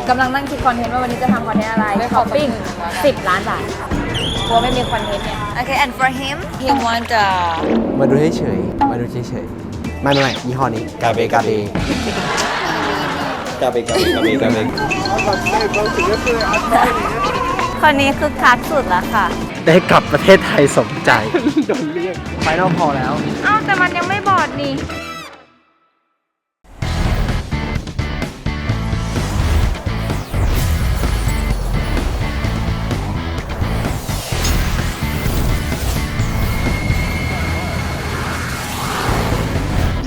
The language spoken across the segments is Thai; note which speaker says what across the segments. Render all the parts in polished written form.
Speaker 1: กำลังนั่งคิดคอนเทนต์ว่าวันนี้จะทำคอนเทนต์อะไรช้อปปิ้ง10 ล้านบาทกลัวไม่มีคอนเทนต์เนี่ย Okay and for him he want
Speaker 2: มาดูเฉยๆมาดูเฉยๆไม่ยี่ห้อนี้กาเบกาเบ
Speaker 1: คนนี้คือคักสุดแล้วค่ะ
Speaker 2: ได้กลับประเทศไทยสมใจ โดนเรียกไฟนอลพอแล้ว
Speaker 1: อ้าวแต่มันยังไม่บอดนี่
Speaker 2: เจ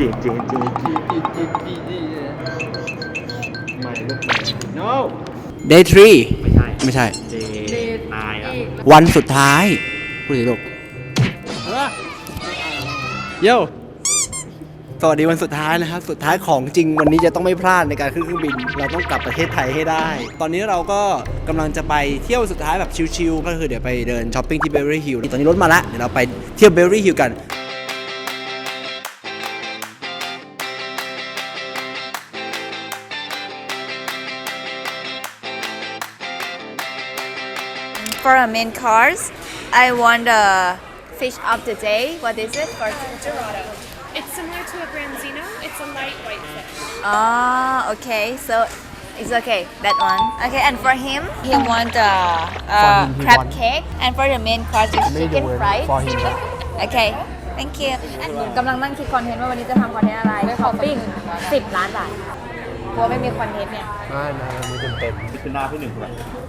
Speaker 2: ไม่ลูกไม่ no day 3ไม่ใช่ วันสุดท้ายพูดสิลูกโย่สวัสดีวันสุดท้ายนะครับสุดท้ายของจริงวันนี้จะต้องไม่พลาดในการขึ้นเครื่องบินเราต้องกลับประเทศไทยให้ได้ ตอนนี้เราก็กำลังจะไปเที่ยวสุดท้ายแบบชิลๆก็คือเดี๋ยวไปเดินช้อปปิ้งที่เบเวอรี่ฮิลล์ตอนนี้รถมาแล้วเดี๋ยวเราไปเที่ยวเบเวอรี่ฮิลล์กัน
Speaker 1: For a main course I want the fish of the day what is it for
Speaker 3: Dorado. It's similar to a branzino. It's a light white fish.
Speaker 1: Okay so it's okay that one okay and for him he want the
Speaker 2: For him, he
Speaker 1: crab
Speaker 2: want-
Speaker 1: cake and for the main course is chicken fried
Speaker 2: for him
Speaker 1: okay thank you กำลังนั่งคิดคอนเทนต์ว่าวันนี้จะทำคอนเทนต์อะไรช้อปปิ้ง10 ล้านบาทกลัวไม่มีคอนเทนต์เนี่ย
Speaker 2: ไม่มีเต็ม
Speaker 4: คือหน้าพี่หนึ่งแบบ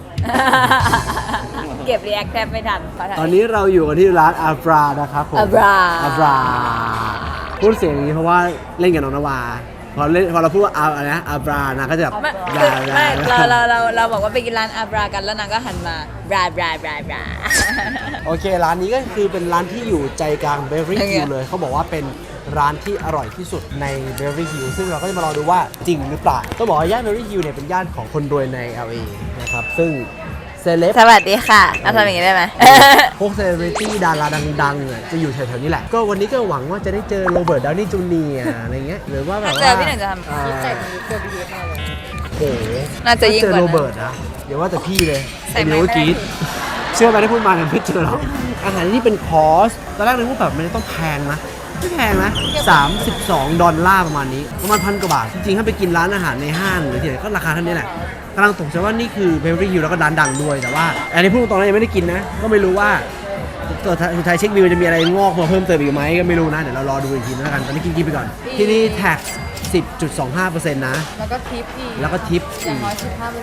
Speaker 1: เก็บรีแอคแทบไม่ทันขอถ่าย
Speaker 2: ตอนนี้เราอยู่กันที่ร้านอาบรานะครับผม
Speaker 1: อาบรา
Speaker 2: พูดเสียงอย่างนี้เพราะว่าเล่นกับน้องนวาพอเราพูดว่าอะไรนะอาบรานะก็จะแบบ
Speaker 1: ไม่
Speaker 2: บรา
Speaker 1: ไม่เราบอกว่าไปกินร้านอาบรากันแล้วนางก็หันมาบราบราบราบรา
Speaker 2: โอเคร้านนี้ก็คือเป็นร้านที่อยู่ใจกลางเบเวอรี่
Speaker 1: โอเค
Speaker 2: ฮิลล์เลยเขาบอกว่าเป็นร้านที่อร่อยที่สุดในเบเวอรี่ฮิลล์ซึ่งเราก็จะมารอดูว่าจริงหรือเปล่าต้องบอกว่าย่านเบเวอรี่ฮิลล์เนี่ยเป็นย่านของคนรวยใน LA นะครับซึ่งเซเลบ
Speaker 1: สวัสดีค่ะเอาทำอย่างนี้ได้ไหม
Speaker 2: พวกเซเลบริตี้ดาราดังๆอ่ะจะอยู่แถวๆนี้แหละ ก็วันนี้ก็หวังว่าจะได้เจอโรเบิร์ตดาวนี่จูเนียร์อะไรเงี้ยหรือว่าแบบว่า
Speaker 1: ถ้าเจอพี่หนึ่งจะทำ
Speaker 2: โอ้โห
Speaker 1: น่าจะยิ่ง
Speaker 2: ถ้เจอก
Speaker 1: ว่านั้น
Speaker 2: โรเบิร์ตนะเดี๋ยวว่าแต่พี่เลย
Speaker 1: ใส่ไม้
Speaker 2: เดี๋ยว
Speaker 1: ไม่ได้
Speaker 2: กรีดเชื่อไหมที่พูดมาเนี่ยไม่เจอหรอกอาหารที่นี่เป็นคอร์สตอนแรกนึกว่าแบบมันจะต้องแพงนะไม่แพงนะ$32ประมาณนี้ประมาณ1,000 กว่าบาทจริงๆถ้าไปกินร้านอาหารในห้างหรือที่ไหนก็ราคาเท่านี้แหละกำลังตกใจว่านี่คือเบเวอรี่ฮิลแล้วก็ร้านดังด้วยแต่ว่าอันนี้พูดตรงๆนะยังไม่ได้กินนะก็ไม่รู้ว่าตัวสุดท้ายเช็คบิลจะมีอะไรงอกมาเพิ่มเติมอีกไหมก็ไม่รู้นะเดี๋ยวเรารอดูอีกทีนึงแล้วกันตอนนี้กินไปก่อนที่นี่แท็ก 10.25% นะ
Speaker 1: แล้วก็ทิปอีก
Speaker 2: แล้วก็ทิป
Speaker 1: อย่างน้อย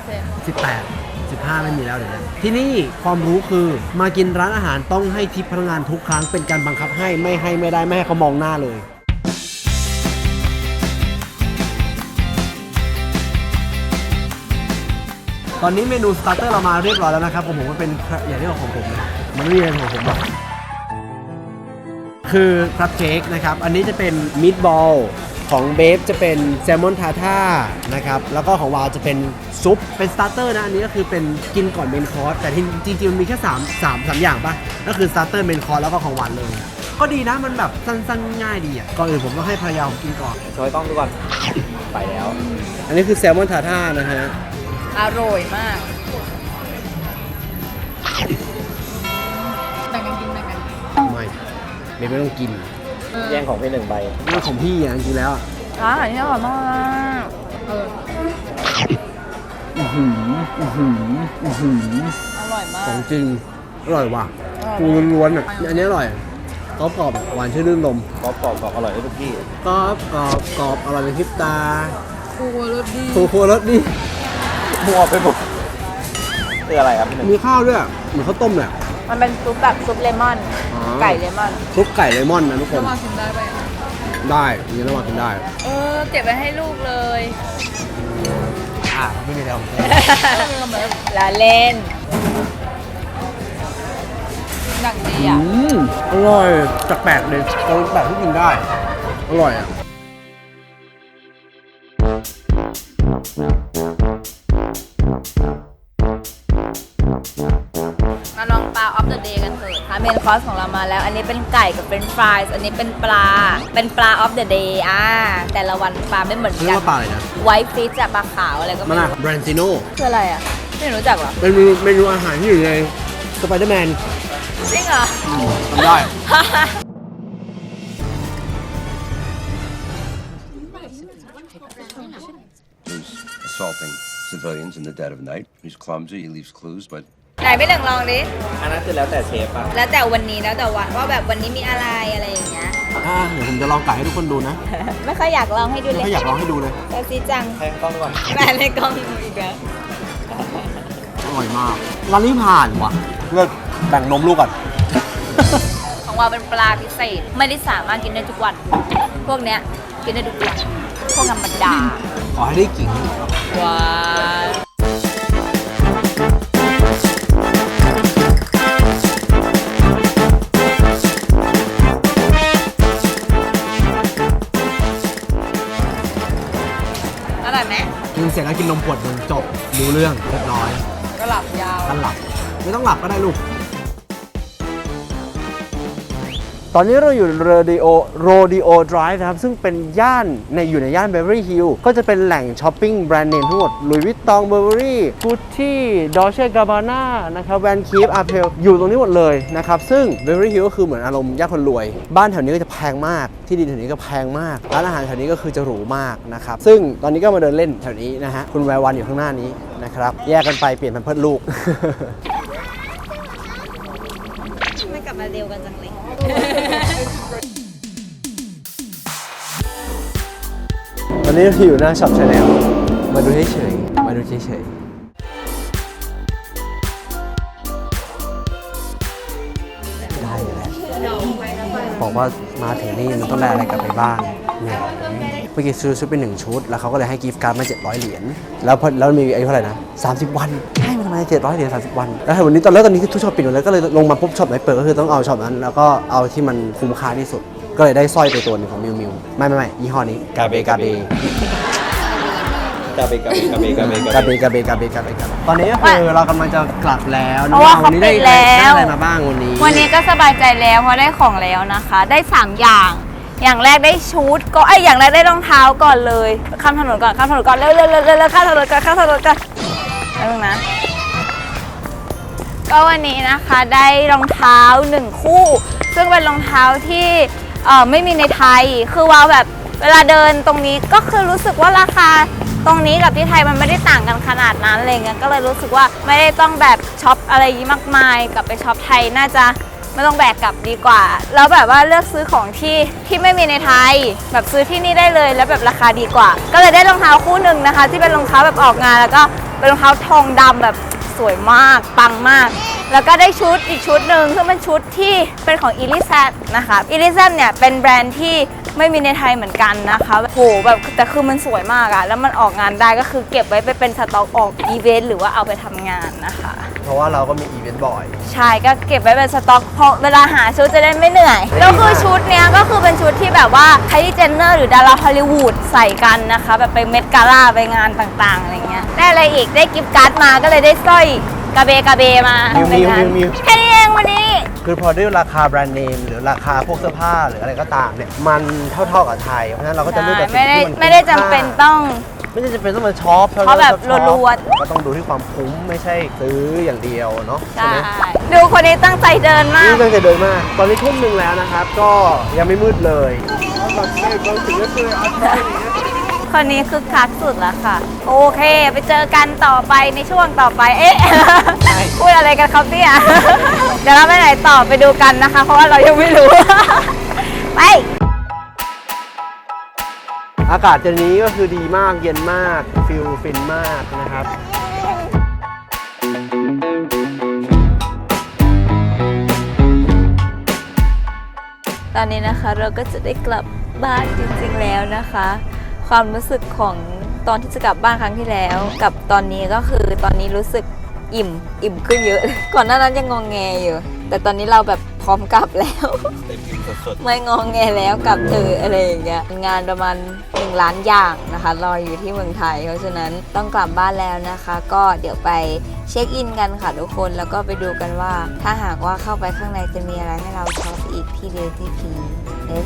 Speaker 2: 18 15 ไม่มีแล้วเดี๋ยวนี้ที่นี่ความรู้คือมากินร้านอาหารต้องให้ทิปพนักงานทุกครั้งเป็นการบังคับให้ไม่ได้ไม่ให้เขามองหน้าเลย ตอนนี้เมนูสตาร์เตอร์เรามาเรียบร้อยแล้วนะครับผมก็เป็นอย่างที่ของผมนะมันไม่มีอะไรของผมหรอกคือครับเค้กนะครับอันนี้จะเป็นมิตบอลของเบฟจะเป็นแซลมอนทาท่านะครับแล้วก็ของวาวจะเป็นซุปเป็นสตาร์เตอร์นะอันนี้ก็คือเป็นกินก่อนเมนคอร์สแต่จริงๆมันมีแค่3อย่างป่ะก็คือสตาร์เตอร์เมนคอร์สแล้วก็ของหวานเลยก็ดีนะมันแบบสั้นๆง่ายดีอ่ะก่อนอื่นผมต้องให้ภรรยาผมกินก่อน
Speaker 4: ช่วยกล้องดูก่อน ไปแล้ว
Speaker 2: อันนี้คือแซลมอนทาท่านะฮะ
Speaker 1: อร่อยมากแบ่งกันกินแบ่งกัน
Speaker 2: ไม่ต้องกิน
Speaker 4: แย่งของพี่หนึ่งใบ
Speaker 2: เรื่องของพี่อ่ะจริงๆแล้ว
Speaker 1: อันนี้อร่อยมากอร่อยมาก
Speaker 2: ของจริงอร่อยว่ะปูล้วนๆอ่ะอันนี้อร่อยกรอบหวานชื่นรื่นลม
Speaker 4: กรอบอร่อยได้ทุกที่
Speaker 2: กรอบอร่อยเป็นพริบตา
Speaker 1: ปูรสดี
Speaker 2: โครสดี
Speaker 4: มัวไปหมดคืออะไรครับพี่หนึ่ง
Speaker 2: มีข้าวด้วยเหมือนข้าวต้มเลย
Speaker 1: มันเป็นซุปแบบซุปเลมอน
Speaker 2: อ๋อ
Speaker 1: ไก่เลมอน
Speaker 2: ซุปไก่เลมอนนะทุกคน
Speaker 1: กินได้ไหม
Speaker 2: ได้อย่างนี้ระหว่างกินได้
Speaker 1: เก็บไว้ให้ลูกเลย
Speaker 2: ไม่มีแล้ว
Speaker 1: ละเล่นหนังดีอ่ะ
Speaker 2: อร่อยแปลกๆเลยแปลกที่กินได้อร่อยอ่ะ
Speaker 1: มาลองปลาออฟเดอะเดย์กันเถอะทำเมนคอร์สของเรามาแล้ว อันนี้เป็นไก่กับเป็นฟรายส์อันนี้เป็นปลา เป็นปลา of the day แต่ละวันปลาไม่เหมือน
Speaker 2: เรีย
Speaker 1: กั
Speaker 2: กว่าปลาอะไรนะ
Speaker 1: ไวท์ฟิชอะปลาขาวอะไรก็
Speaker 2: มั
Speaker 1: ไม่
Speaker 2: นอะ
Speaker 1: รู้
Speaker 2: แบรนซิโน่
Speaker 1: คืออะไรอะไม่รู้จักเหรอ
Speaker 2: เป็นเมนูอาหารที่อยู่ในสไปเดอร์แมน
Speaker 1: จริงเหรอ
Speaker 2: ทำได้
Speaker 5: Who's assaulting civilians in the dead of night. He's clumsy, he leaves clues, but
Speaker 1: ไหนไม่หนึ่งลองดิ
Speaker 4: อันนั้นคือแล้วแต่เชฟป่ะ
Speaker 1: แล้วแต่วันนี้แล้วแต่วันว่าแบบวันนี้มีอะไรอะไรอย่างเงี้ย
Speaker 2: เดี๋ยวผมจะลองไก่ให้ทุกคนดูนะ
Speaker 1: ไม่ค่อยอยากลองให้ดูเลย
Speaker 2: ไม่อยากลองให้ดูเลย
Speaker 1: แต่ซีจัง
Speaker 4: แทงกล้องก่อน
Speaker 1: แม่ในกล้องอีกแล้ว
Speaker 2: อร่อยมากร้านนี้ผ่านว่ะเลิกแบ่งนมลูกก่อน
Speaker 1: ของเราเป็นปลาพิเศษไม่ได้สามารถกินได้ทุกวัน พวกเนี้ยกินได้ทุกวันพวกธรรมดา
Speaker 2: ขอให้ได้กิ่ง
Speaker 1: ว้าวอร่อยไหม
Speaker 2: กินเสร็จแล้วกินนมขวดหนึ่งจบรู้เรื่องเรียบร้อย
Speaker 1: ก็หลับยาว
Speaker 2: กันหลับ ไม่ต้องหลับก็ได้ลูก ตอนนี้เราอยู่โรดิโอไดรฟ์นะครับ ซึ่งเป็นย่านอยู่ในย่านเบเวอรี่ฮิลล์ก็จะเป็นแหล่งช้อปปิ้งแบรนด์เนมทั้งหมดลุยวิตตองเบเวอรี่กุชชี่ดอเช่กาบาน่านะครับแวนคีฟอาร์เพลอยู่ตรงนี้หมดเลยนะครับ ซึ่งเบเวอรี่ฮิลล์ก็คือเหมือนอารมณ์ย่านคนรวย บ้านแถวนี้ก็จะแพงมาก ที่ดินแถวนี้ก็แพงมาก ร้านอาหารแถวนี้ก็คือจะหรูมากนะครับ ซึ่งตอนนี้ก็มาเดินเล่นแถวนี้นะฮะคุณแวววันอยู่ข้างหน้านี้นะครับแยกกันไปเปลี่ยนแพมเพิร์สลูก
Speaker 1: ไม่กลับมาเร็วกันจังเลย
Speaker 2: ตอนนี้เราอยู่หน้าช็อปชาแนลมาดูเฉยๆมาดูเฉยๆได้อยู่แล้วบอกว่ามาถึงนี่มันต้องได้อะไรกลับไปบ้างเนี่ยเมื่อกี้ซื้อชุดเป็น1ชุดแล้วเขาก็เลยให้กิฟต์การ์ดมา700เหรียญแล้วมีอายุเท่าไหร่นะ30 วันให้มาทำไม700เหรียญ30 วันแล้ววันนี้ตอนนี้ทุกช็อปปิดหมดแล้วก็เลยลงมาปุ๊บช็อปไหนเปิดก็คือต้องเอาช็อปนั้นแล้วก็เอาที่มันคุ้มค่าที่สุดก็เลยได้สร้อยไปตัวหนึงของมิวไม่ยี่ห้อนี้กาเบตอนนี้ก็คือเรากำลังจะกลับแล้ว
Speaker 1: เพราะว่า
Speaker 2: วันนี้ได้
Speaker 1: เขาปิดแล้ว
Speaker 2: อะไรมาบ้างวันนี้
Speaker 1: วันนี้ก็สบายใจแล้วเพราะได้ของแล้วนะคะ ได้ 3 อย่าง อย่างแรกได้ชุดก็อย่างแรกได้รองเท้าก่อนเลยข้ามถนนก่อนเร็วข้ามถนนก่อนข้ามถนนก่อนแล้วนะก็วันนี้นะคะได้รองเท้า1 คู่ ซึ่งเป็นรองเท้าที่ไม่มีในไทยคือว้าวแบบเวลาเดินตรงนี้ก็คือรู้สึกว่าราคาตรงนี้กับที่ไทยมันไม่ได้ต่างกันขนาดนั้นอะไรเงี้ยก็เลยรู้สึกว่าไม่ได้ต้องแบบช็อปอะไรมากมายกลับไปช็อปไทยน่าจะไม่ต้องแบกกลับดีกว่าแล้วแบบว่าเลือกซื้อของที่ไม่มีในไทยแบบซื้อที่นี่ได้เลยแล้วแบบราคาดีกว่าก็เลยได้รองเท้าคู่หนึ่งนะคะที่เป็นรองเท้าแบบออกงานแล้วก็เป็นรองเท้าทองดำแบบสวยมากปังมากแล้วก็ได้ชุดอีกชุดหนึ่งซึ่งเป็นชุดที่เป็นของ Elizabeth นะคะElizabethเนี่ยเป็นแบรนด์ที่ไม่มีในไทยเหมือนกันนะคะโหแบบแต่คือมันสวยมากอะแล้วมันออกงานได้ก็คือเก็บไว้ไปเป็นสต็อกออกอีเวนต์หรือว่าเอาไปทำงานนะคะ
Speaker 2: เพราะว่าเราก็มีอีเวนต์บ่อย
Speaker 1: ใช่ก็เก็บไว้เป็นสต็อกเพราะเวลาหาชุดจะได้ไม่เหนื่อยแล้วคือชุดเนี้ยก็คือเป็นชุดที่แบบว่าไคลี่เจนเนอร์หรือดาราฮอลลีวูดใส่กันนะคะแบบไปเมดกาล่าไปงานต่างๆอะไรเงี้ยได้อะไรอีกได้กิฟต์การ์ดมาก็เลยได้สร้อยกาเบมา
Speaker 2: มิว
Speaker 1: แค่นี้เองวันนี้
Speaker 2: คือพอด้วยราคาแบรนด์เนมหรือราคาพวกเสื้อผ้าหรืออะไรก็ตามเนี่ยมันเท่าๆกับไทยเพราะฉะนั้นเราก็จะเลือกแต่สิ่ง
Speaker 1: ไม่ได้
Speaker 2: ที่มัน
Speaker 1: ไม่ได้จำเป็นต้อง
Speaker 2: ไม่ได้จำเป็นต้องมาช็อป
Speaker 1: เพราะแบบรัวๆ
Speaker 2: ก็ต้องดูที่ความคุ้มไม่ใช่ซื้ออย่างเดียวเนาะใช่
Speaker 1: ใช่
Speaker 2: ไหม
Speaker 1: ดูคนนี้ตั้งใจเดินมาก
Speaker 2: นี่ตั้งใจเดินมาก ตอนนี้ทุ่มหนึ่งแล้วนะครับ ก็ยังไม่มืดเลย
Speaker 1: คนนี้คือคักสุดแล้วค่ะ โอเค ไปเจอกันต่อไปในช่วงต่อไปเอ๊ะ พูดอะไรกันครับเนี่ย เดี๋ยวเราไปไหนต่อไปดูกันนะคะ เพราะว่าเรายังไม่รู้ ไป
Speaker 2: อากาศเจนนี้ก็คือดีมากเย็นมากฟิลฟินมากนะครับ
Speaker 1: ตอนนี้นะคะเราก็จะได้กลับบ้านจริงๆแล้วนะคะ ความรู้สึกของตอนที่จะกลับบ้านครั้งที่แล้ว กับตอนนี้ก็คือตอนนี้รู้สึกอิ่มขึ้นเยอะ ก่อนหน้านั้นยังงองแงอยู่ แต่ตอนนี้เราแบบพร้อมกลับแล้ว ไม่งองแงแล้วกลับเถอะอะไรอย่างเงี้ยงานประมาณ1 ล้านอย่างนะคะรออยู่ที่เมืองไทยเพราะฉะนั้นต้องกลับบ้านแล้วนะคะ ก็เดี๋ยวไปเช็คอินกันค่ะทุกคนแล้วก็ไปดูกันว่า ถ้าหากว่าเข้าไปข้างในจะมีอะไรให้เราช็อปอีกที่เดลที่พีเฮ้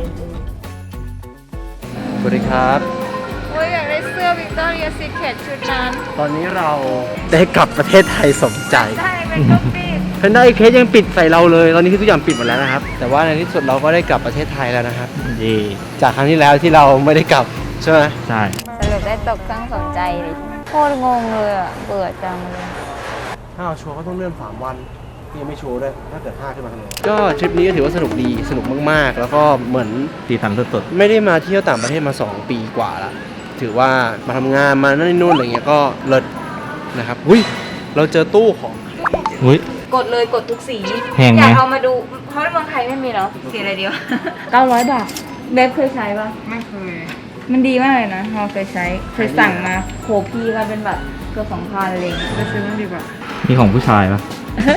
Speaker 2: สวัสดีครับ
Speaker 1: โอ้ยอยากได้เสื้อ Victoria's Secret ชุดนั้น
Speaker 2: ตอนนี้เราได้กลับประเทศไทยสมใจ
Speaker 1: ได้เป็นก็ปิด
Speaker 2: แพนด้าเคสยังปิดใส่เราเลย ตอนนี้คือทุกอย่างปิดหมดแล้วนะครับ แต่ว่าในที่สุดเราก็ได้กลับประเทศไทยแล้วนะครับ
Speaker 4: ดี
Speaker 2: จากครั้งที่แล้วที่เราไม่ได้กลับใช่ไหม
Speaker 4: ใช่
Speaker 1: สรุปได้ตกเครื่องสนใจดิโคตรงงเลยอ่ะเบื่อจังเลย
Speaker 2: ถ้าเราชัวร์ก็ต้องเลื่อน3 วันยังไม่ชัวร์ด้วยถ้าเกิด5ขึ้นมาทำไงก็ทริปนี้ก็ถือว่าสนุกดีสนุกมากๆ แล้วก็เหมือน
Speaker 4: ตีทันสุด
Speaker 2: ไม่ได้มาเที่ยวต่างประเทศมา2 ปีกว่าละถือว่ามาทำงานมานั่นนู่นอะไรเงี้ยก็เลิศนะครับอุ้ยเราเจอตู้ของ
Speaker 4: ๆอุ้ย
Speaker 1: กดเลยกดทุกสี
Speaker 4: แพงไหม
Speaker 1: อยากเอามาดูเพราะในเมืองไทยไม่มีแล้วสีอะไรเดียว 900 บาทเบฟเคยใช้ปะไม่เคย มันดีมากเลยนะเราเคยใช้เคยสั่งมาโหพี่ก็เป็นแบบเกือบ2,000อะไรอย่างเงี้ยไปซื้อมันดีกว่า
Speaker 4: มีของผู้ชายปะ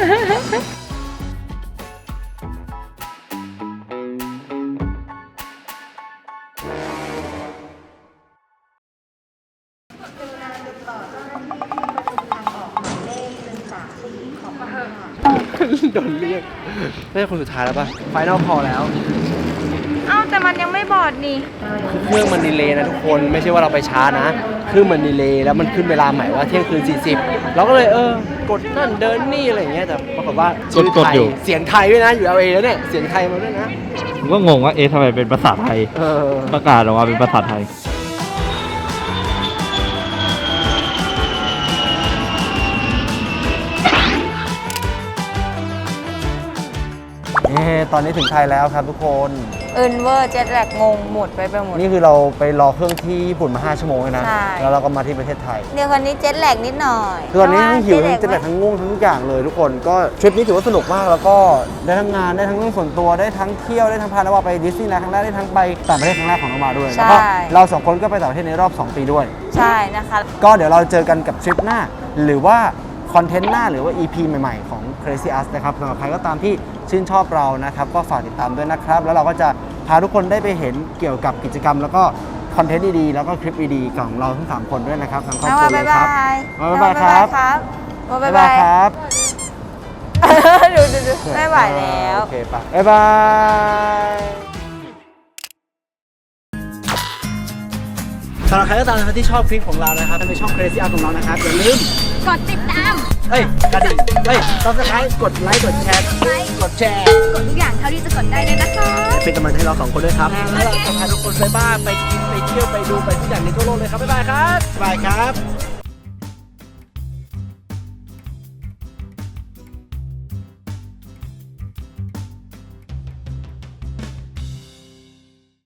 Speaker 2: โดนเรียกน่าจะคนสุดท้ายแล้วป่ะไฟนอลพอแล้ว
Speaker 1: เอ้าแต่มันยังไม่บอดนี่
Speaker 2: เครื่องมันดีเลย์นะทุกคนไม่ใช่ว่าเราไปช้านะเครื่องมันดีเลย์แล้วมันขึ้นเวลาใหม่ว่าเที่ยงคืน40เราก็เลยกดนั่นเดินนี่อะไรอย่างเงี้ยแต่ปรากฏว่าชื่อไทยเสียงไทยด้วยนะอยู่ LA แล้วเนี่ยเสียงไทยมาด้วยนะ
Speaker 4: ผมก็งงว่าทำไมเป็นภาษาไทย ประกาศออกมาเป็นภาษาไทย
Speaker 2: ตอนนี้ถึงไทยแล้วครับทุกคน
Speaker 1: เอินเวอร์เจ็ตแลกงงหมดไปหมด
Speaker 2: นี่คือเราไปรอเครื่องที่ญี่ปุ่นมา5 ชั่วโมงเลยนะ
Speaker 1: ใช่
Speaker 2: แล้วเราก็มาที่ประเทศไทย
Speaker 1: เดี๋ยวคนนี้เจ็ตแลกนิดหน่อย
Speaker 2: คือตอนนี้ทั้งหิวทั้ง
Speaker 1: เพ
Speaker 2: เจ็
Speaker 1: ราะ
Speaker 2: บ
Speaker 1: ว่า
Speaker 2: ทั้งง่วงทั้งทุกอย่างเลยทุกคนก็ทริปนี้ถือว่าสนุกมากแล้วก็ได้ทั้งงานได้ทั้งเรื่องส่วนตัวได้ทั้งเที่ยวได้ทั้งพานวาไปดิสนีย์แลนด์ครั้งแรกได้ทั้งไปต่างประเทศครั้งแรกของน้องมาด้วยแล้วก็เรา2 คนก็ไปต่างประเทศในรอบ2 ปีด้วย
Speaker 1: ใช่นะคะ
Speaker 2: ก็เดี๋ยวเราเจอกันกับทริปหน้า หรือว่าคอนเทนต์หน้าหรือว่า EP ใหม่ๆของ Crazy Us นะครับสำหรับใครก็ตามที่ชื่นชอบเรานะครับก็ฝากติดตามด้วยนะครับแล้วเราก็จะพาทุกคนได้ไปเห็นเกี่ยวกับกิจกรรม แล้วก็คอนเทนต์ดีๆแล้วก็คลิปดีๆของเราทั้ง3 คนด้วยนะครับทั้งครอบครัวเลยครับ บ๊ายบายครับ
Speaker 1: บ๊ายบายครับ ดูไม่ไหวแล้ว
Speaker 2: โอเคปะบ๊ายบายสำหรับใครก็ตามนะครับที่ชอบคลิปของเรานะครับในช่อง Crazy Us ของเรานะครับอย่าลืม
Speaker 1: กดติดตาม
Speaker 2: กระดิ่งSubscribe กดไลค์กดแชร์กดแชร์
Speaker 1: กดทุกอย่างเท่าที่จะกดได้เลยนะคะ
Speaker 2: เป็นกำลังใจให้เรา2 คนด้วยครับแล้วเราจะพาทุกคนไปบ้านไปกินไปเที่ยวไปดูไปทุกอย่างในทั่วโลกเลยครับบ๊ายบายครับบ๊ายบายครับ